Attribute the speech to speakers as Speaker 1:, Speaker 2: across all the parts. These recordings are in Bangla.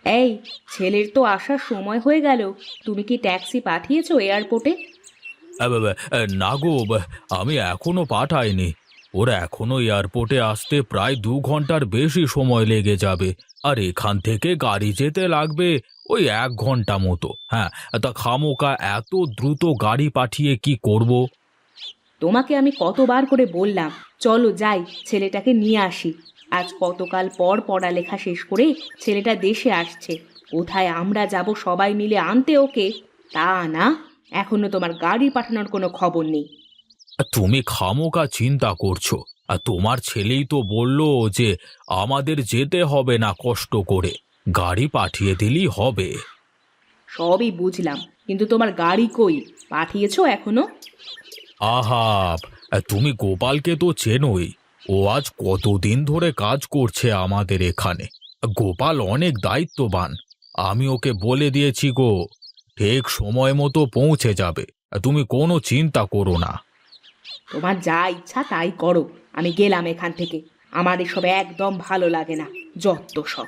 Speaker 1: এই, ছেলের তো আসার সময় হয়ে গেল। তুমি কি ট্যাক্সি পাঠিয়েছো এয়ারপোর্টে?
Speaker 2: না গো, আমি এখনো পাঠাইনি। ওরা এখনো এয়ারপোর্টে আসতে প্রায় 2 ঘন্টার বেশি সময় লেগে যাবে। আর এখান থেকে গাড়ি যেতে লাগবে ওই 1 ঘন্টা মতো। হ্যাঁ, তা খামোকা এত দ্রুত গাড়ি পাঠিয়ে কি করব?
Speaker 1: তোমাকে আমি কতবার করে বললাম, চলো যাই, ছেলেটাকে নিয়ে আসি। আজ কতকাল পর পড়ালেখা শেষ করে ছেলেটা দেশে আসছে। কোথায় আমরা যাব সবাই মিলে আনতে ওকে? তা না, এখনো তোমার গাড়ি পাঠানোর কোনো খবর নেই।
Speaker 2: তুমি খামোকা চিন্তা করছো। আর তোমার ছেলেই তো বলল যে আমাদের যেতে হবে না কষ্ট করে, গাড়ি পাঠিয়ে দিলেই হবে।
Speaker 1: সবই বুঝলাম, কিন্তু তোমার গাড়ি কই? পাঠিয়েছো এখনো?
Speaker 2: আহা, তুমি গোপালকে তো চেনোই। ও আজ কতদিন ধরে কাজ করছে আমাদের এখানে। গোপাল অনেক দায়িত্ববান। আমি ওকে বলে দিয়েছি গো, ঠিক সময় মতো পৌঁছে যাবে। তুমি কোনো চিন্তা করো না।
Speaker 1: তোমার যা ইচ্ছা তাই করো, আমি গেলাম এখান থেকে। আমার এসব একদম ভালো লাগে না, যত সব।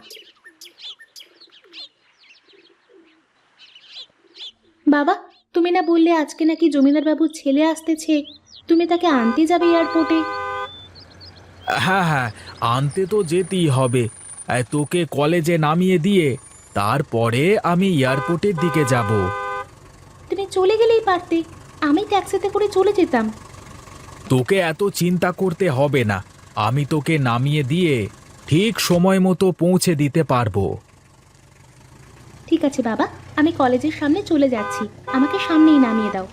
Speaker 1: বাবা, তুমি না বললে আজকে নাকি জমিদার বাবুর ছেলে আসতেছে? তুমি তাকে আনতে যাবে এয়ারপোর্টে?
Speaker 2: হ্যাঁ হ্যাঁ, আনতে তো যেতেই হবে। তোকে কলেজে নামিয়ে দিয়ে তারপরে আমি এয়ারপোর্টের দিকে যাব।
Speaker 1: তুমি চলে গেলেই পারতে, আমি ট্যাক্সিতে করে চলে যেতাম।
Speaker 2: তোকে এত চিন্তা করতে হবে না। আমি তোকে নামিয়ে দিয়ে ঠিক সময় মতো পৌঁছে দিতে পারবো।
Speaker 1: ঠিক আছে বাবা, আমি কলেজের সামনে চলে যাচ্ছি, আমাকে সামনেই নামিয়ে দাও।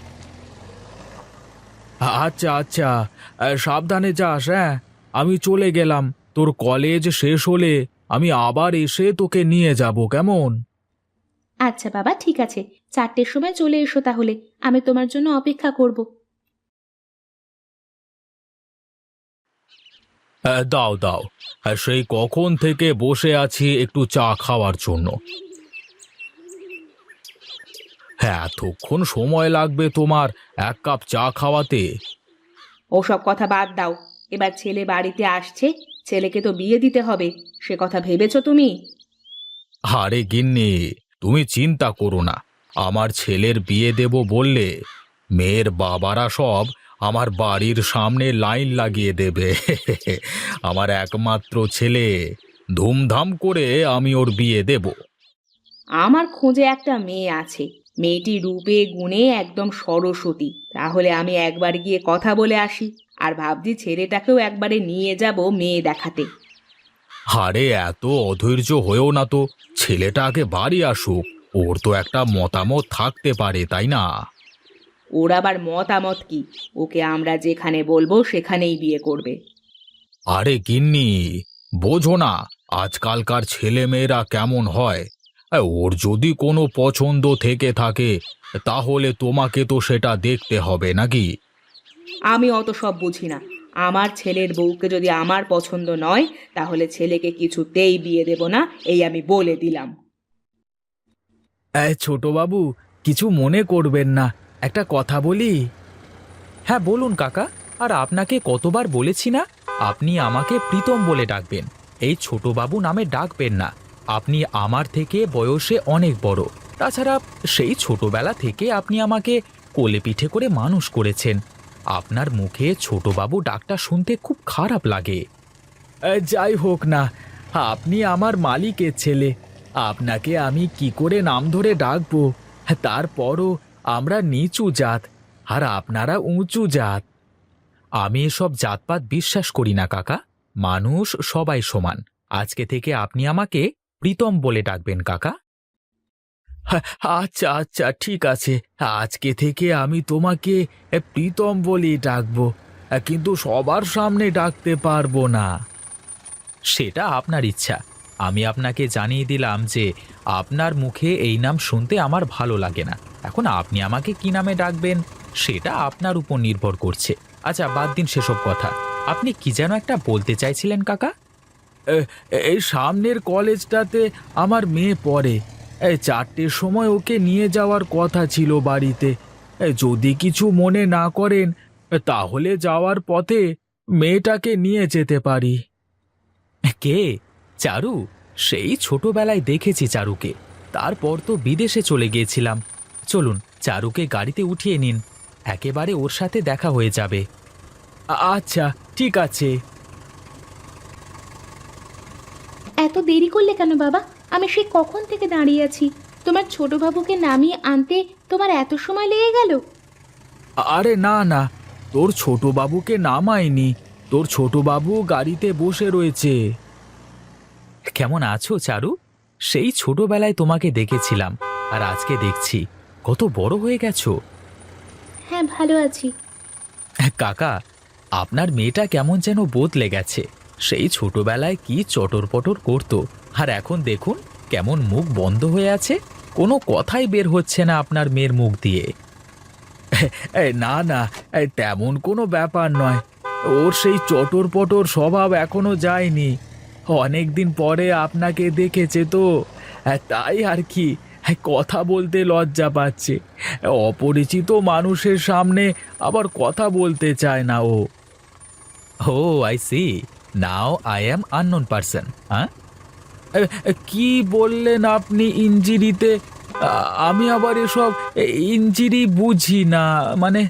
Speaker 2: আচ্ছা আচ্ছা, সাবধানে যাস। হ্যাঁ, আমি চলে গেলাম। তোর কলেজ শেষ হলে আমি আবার এসে তোকে নিয়ে যাব, কেমন?
Speaker 1: আচ্ছা বাবা, ঠিক আছে, 4টের সময় চলে এসো তাহলে, আমি তোমার জন্য অপেক্ষা করব।
Speaker 2: দাও দাও। সেই কখন থেকে বসে আছি একটু চা খাওয়ার জন্য। হ্যাঁ, এতক্ষণ সময় লাগবে তোমার 1 কাপ চা খাওয়াতে?
Speaker 1: ওসব কথা বাদ দাও। এবার ছেলে বাড়িতে আসছে, ছেলেকে তো বিয়ে দিতে হবে, সে কথা ভেবেছো তুমি?
Speaker 2: আরে গিন্নি, তুমি চিন্তা করো না। আমার ছেলের বিয়ে দেব বললে মেয়ের বাবারা সব আমার বাড়ির সামনে লাইন লাগিয়ে দেবে। আমার একমাত্র ছেলে, ধুমধাম করে আমি ওর বিয়ে দেব।
Speaker 1: আমার খোঁজে একটা মেয়ে আছে, মেয়েটি রূপে গুণে একদম সরস্বতী। তাহলে আমি একবার গিয়ে কথা বলে আসি, আর ভাবছি ছেলেটাকেও একবারে নিয়ে যাব মেয়ে দেখাতে।
Speaker 2: আরে এত অধৈর্য হয়েও না তো, ছেলেটা আগে বাড়ি আসুক। ওর তো একটা মতামত থাকতে পারে, তাই না?
Speaker 1: ওর আবার মতামত কি? ওকে আমরা যেখানে বলবো সেখানেই বিয়ে করবে।
Speaker 2: আরে গিন্নি, বোঝো না আজকালকার ছেলে মেয়েরা কেমন হয়। ওর যদি কোনো পছন্দ থেকে থাকে তাহলে তোমাকে তো সেটা দেখতে হবে নাকি?
Speaker 1: আমি অত সব বুঝি না। আমার ছেলের বউকে যদি আমার পছন্দ নয়, তাহলে ছেলেকে কিছুতেই বিয়ে দেব না, এই আমি বলে দিলাম।
Speaker 2: ছোট বাবু, কিছু মনে করবেন না, একটা কথা বলি? হ্যাঁ বলুন কাকা। আর আপনাকে কতবার বলেছি না, আপনি আমাকে প্রীতম বলে ডাকবেন, এই ছোটবাবু নামে ডাকবেন না। আপনি আমার থেকে বয়সে অনেক বড়। তাছাড়া সেই ছোটবেলা থেকে আপনি আমাকে কোলে পিঠে করে মানুষ করেছেন। আপনার মুখে ছোটবাবু ডাকটা শুনতে খুব খারাপ লাগে। যাই হোক না, আপনি আমার মালিকের ছেলে, আপনাকে আমি কি করে নাম ধরে ডাকবো? তারপরও আমরা নিচু জাত, আর আপনারা উঁচু জাত। আমি এসব জাতপাত বিশ্বাস করি না কাকা। মানুষ সবাই সমান। আজকে থেকে আপনি আমাকে প্রীতম বলে ডাকবেন কাকা। হ্যাঁ, আচ্ছা আচ্ছা, ঠিক আছে। আজকে থেকে আমি তোমাকে প্রীতম বলেই ডাকবো, কিন্তু সবার সামনে ডাকতে পারবো না। সেটা আপনার ইচ্ছা। আমি আপনাকে জানিয়ে দিলাম যে আপনার মুখে এই নাম শুনতে আমার ভালো লাগে না। এখন আপনি আমাকে কি নামে ডাকবেন সেটা আপনার উপর নির্ভর করছে। আচ্ছা, বাদ দিন সেসব কথা। আপনি কি যেন একটা বলতে চাইছিলেন কাকা? এই সামনের কলেজটাতে আমার মেয়ে পড়ে। 4টের সময় ওকে নিয়ে যাওয়ার কথা ছিল বাড়িতে। যদি কিছু মনে না করেন তাহলে যাওয়ার পথে মেয়েটাকে নিয়ে যেতে পারি। কে? চারু? সেই ছোটবেলায় দেখেছি চারুকে, তারপর তো বিদেশে চলে গিয়েছিলাম। চলুন চারুকে গাড়িতে উঠিয়ে নিন, একেবারে ওর সাথে দেখা হয়ে যাবে। আচ্ছা, ঠিক আছে।
Speaker 1: এত দেরি করলে কেন বাবা? আমি সেই কখন থেকে দাঁড়িয়ে আছি। তোমার ছোট বাবুকে নামিয়ে আনতে তোমার এত সময় লেগে গেল?
Speaker 2: আরে না না, তোর ছোট বাবুকে নামায়নি, তোর ছোট বাবু গাড়িতে বসে রয়েছে। কেমন আছো চারু? সেই ছোটবেলায় তোমাকে দেখেছিলাম, আর আজকে দেখছি কত বড় হয়ে গেছো।
Speaker 1: হ্যাঁ, ভালো আছি।
Speaker 2: কাকা, আপনার মেয়েটা কেমন যেন বদলে গেছে। সেই ছোটবেলায় কি চটর পটর করতো, আর এখন দেখুন কেমন মুখ বন্ধ হয়ে আছে, কোনো কথাই বের হচ্ছে না আপনার মেয়ের মুখ দিয়ে। না না, তেমন কোনো ব্যাপার নয়, ওর সেই চটর পটর স্বভাব এখনো যায়নি। অনেক দিন পরে আপনাকে দেখেছে তো, তাই আর কি, কথা বলতে লজ্জা পাচ্ছে। অপরিচিত মানুষের সামনে আবার কথা বলতে চায় না ও। Oh I see, now I am unknown person. হ্যাঁ, কি বললেন আপনি ইঞ্জিরিতে? আমি আবার এসব ইঞ্জিরি বুঝি না, মানে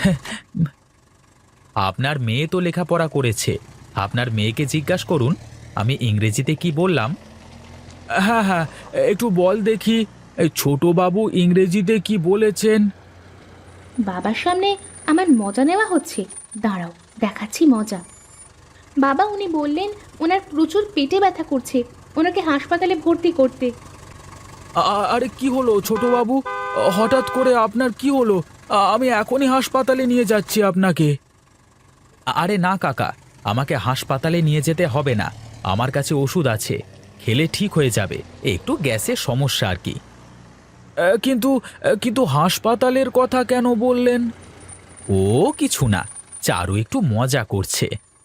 Speaker 2: আপনার মেয়ে তো লেখাপড়া করেছে, আপনার মেয়েকে জিজ্ঞাসা করুন আমি ইংরেজিতে কি বললাম। হ্যাঁ হ্যাঁ, একটু বল দেখি, ছোট বাবু ইংরেজিতে কি বলেছেন?
Speaker 1: বাবার সামনে আমার মজা নেওয়া হচ্ছে? দাঁড়াও, দেখাচ্ছি মজা। বাবা, উনি বললেন ওনার প্রচুর পেটে ব্যথা করছে, ওনাকে হাসপাতালে ভর্তি করতে।
Speaker 2: আরে কি হলো ছোট বাবু, হঠাৎ করে আপনার কি হলো? আমি এখনই হাসপাতালে নিয়ে যাচ্ছি আপনাকে। আরে না কাকা, আমাকে হাসপাতালে নিয়ে যেতে হবে না, আমার কাছে ওষুধ আছে, খেলে ঠিক হয়ে যাবে, একটু গ্যাসের সমস্যা আর কি। কিন্তু কিন্তু হাসপাতালের কথা কেন বললেন? ও কিছু না, চারু একটু মজা করছে।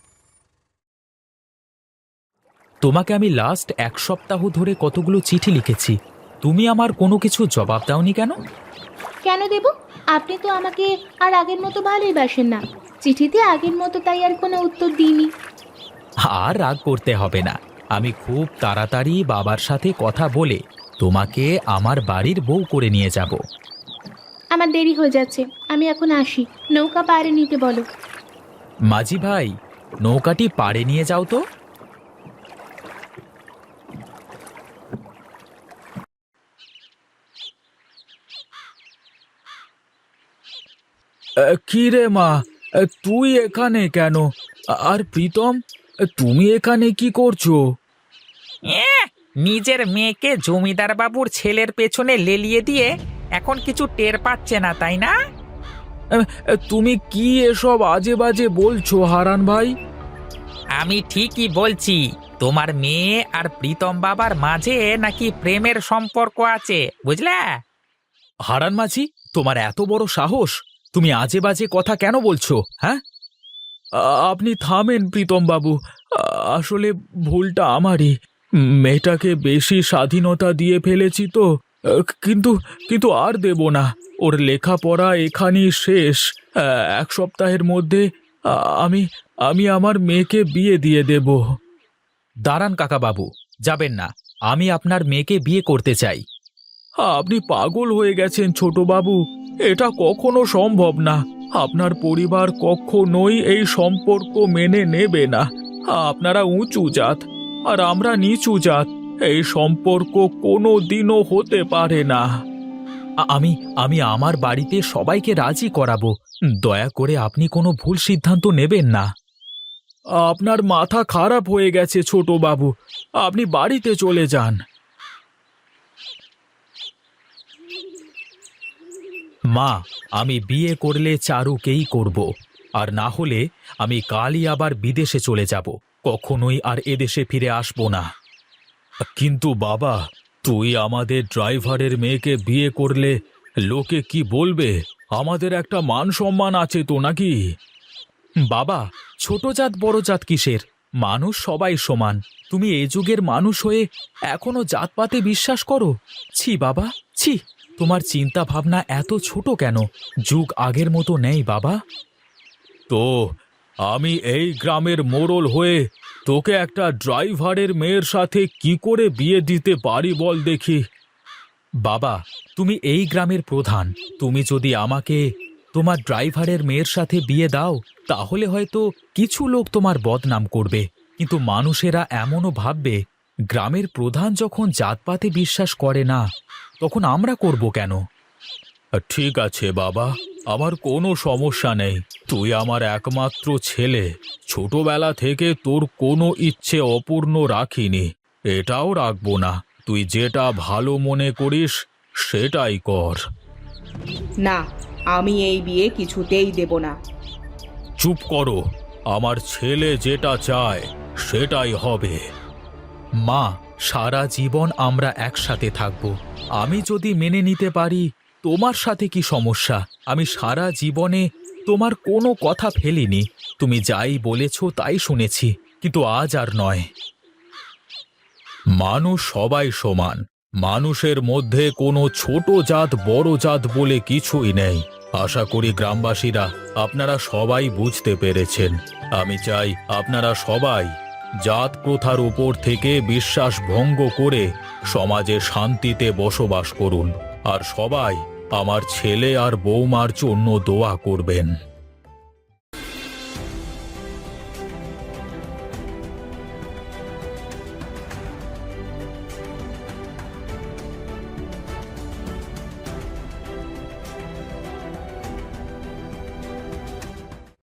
Speaker 2: তোমাকে আমি লাস্ট 1 সপ্তাহ ধরে কতগুলো চিঠি লিখেছি, তুমি আমার কোনো কিছু জবাব দাওনি কেন?
Speaker 1: কেন দেব? আপনি তো আমাকে আর আগের মতো ভালোই বাসেন না। চিঠিতে আগের মতো তাই আর কোনো উত্তর দিইনি।
Speaker 2: আর রাগ করতে হবে না, আমি খুব তাড়াতাড়ি বাবার সাথে কথা বলে তোমাকে আমার বাড়ির বউ করে নিয়ে যাব।
Speaker 1: আমার দেরি হয়ে যাচ্ছে, আমি এখন আসি। নৌকা পাড়ে নিতে বলো।
Speaker 2: মাঝি ভাই, নৌকাটি পাড়ে নিয়ে যাও তো। কি রে মা, তুই এখানে কেন? আর প্রীতম, তুমি এখানে কি করছো?
Speaker 3: নিজের মেয়েকে জমিদার বাবুর ছেলের পেছনে লেলিয়ে দিয়ে এখন কিছু টের পাচ্ছে না, তাই না?
Speaker 2: তুমি কি এসব আজে বাজে বলছো হারান ভাই?
Speaker 3: আমি ঠিকই বলছি, তোমার মেয়ে আর প্রীতম বাবার মাঝে নাকি প্রেমের সম্পর্ক আছে, বুঝলে?
Speaker 2: হারান মাঝি, তোমার এত বড় সাহস, তুমি আজে বাজে কথা কেন বলছো? হ্যাঁ, আপনি থামেন প্রীতম বাবু, আসলে ভুলটা আমারই, মেয়েটাকে বেশি স্বাধীনতা দিয়ে ফেলেছি তো, কিন্তু কিন্তু আর দেব না, ওর লেখাপড়া এখানেই শেষ। 1 সপ্তাহের মধ্যে আমি আমি আমার মেয়েকে বিয়ে দিয়ে দেব। দাঁড়ান কাকা বাবু, যাবেন না, আমি আপনার মেয়েকে বিয়ে করতে চাই। আপনি পাগল হয়ে গেছেন ছোট বাবু, এটা কখনো সম্ভব না, আপনার পরিবার কখনোই এই সম্পর্ক মেনে নেবে না। আপনারা উঁচু জাত আর আমরা নিচু জাত, এই সম্পর্ক কোনো দিনও হতে পারে না। আমি আমি আমার বাড়িতে সবাইকে রাজি করাবো, দয়া করে আপনি কোনো ভুল সিদ্ধান্ত নেবেন না। আপনার মাথা খারাপ হয়ে গেছে ছোট বাবু, আপনি বাড়িতে চলে যান। মা, আমি বিয়ে করলে চারুকেই করব, আর না হলে আমি কালই আবার বিদেশে চলে যাব, কখনোই আর এদেশে ফিরে আসব না। কিন্তু বাবা, তুই আমাদের ড্রাইভারের মেয়েকে বিয়ে করলে লোকে কি বলবে? আমাদের একটা মান সম্মান আছে তো নাকি? বাবা, ছোট জাত বড় জাত কিসের, মানুষ সবাই সমান। তুমি এ যুগের মানুষ হয়ে এখনো জাতপাতে বিশ্বাস করো? ছি বাবা, ছি, তোমার চিন্তা ভাবনা এত ছোট কেন? যুগ আগের মতো নেই বাবা। তো আমি এই গ্রামের মোড়ল হয়ে তোকে একটা ড্রাইভারের মেয়ের সাথে কি করে বিয়ে দিতে পারি বল দেখি। বাবা, তুমি এই গ্রামের প্রধান, তুমি যদি আমাকে তোমার ড্রাইভারের মেয়ের সাথে বিয়ে দাও তাহলে হয়তো কিছু লোক তোমার বদনাম করবে, কিন্তু মানুষেরা এমনও ভাববে গ্রামের প্রধান যখন জাতপাতে বিশ্বাস করে না, তখন আমরা করব কেন? ঠিক আছে বাবা, আমার কোনো সমস্যা নেই। তুই আমার একমাত্র ছেলে, ছোটবেলা থেকে তোর কোনো ইচ্ছে অপূর্ণ রাখিনি, এটাও রাখবো না। তুই যেটা ভালো মনে করিস সেটাই কর।
Speaker 1: না, আমি এই বিয়ে কিছুতেই দেব না।
Speaker 2: চুপ করো, আমার ছেলে যেটা চায় সেটাই হবে। মা, সারা জীবন আমরা একসাথে থাকব, আমি যদি মেনে নিতে পারি তোমার সাথে কি সমস্যা? আমি সারা জীবনে তোমার কোনো কথা ফেলিনি, তুমি যাই বলেছ তাই শুনেছি, কিন্তু আজ আর নয়। মানুষ সবাই সমান, মানুষের মধ্যে কোনো ছোট জাত বড় জাত বলে কিছুই নেই। আশা করি গ্রামবাসীরা আপনারা সবাই বুঝতে পেরেছেন। আমি চাই আপনারা সবাই জাত প্রথার উপর থেকে বিশ্বাস ভঙ্গ করে সমাজে শান্তিতে বসবাস করুন, আর সবাই আমার ছেলে আর বৌমার জন্য দোয়া করবেন।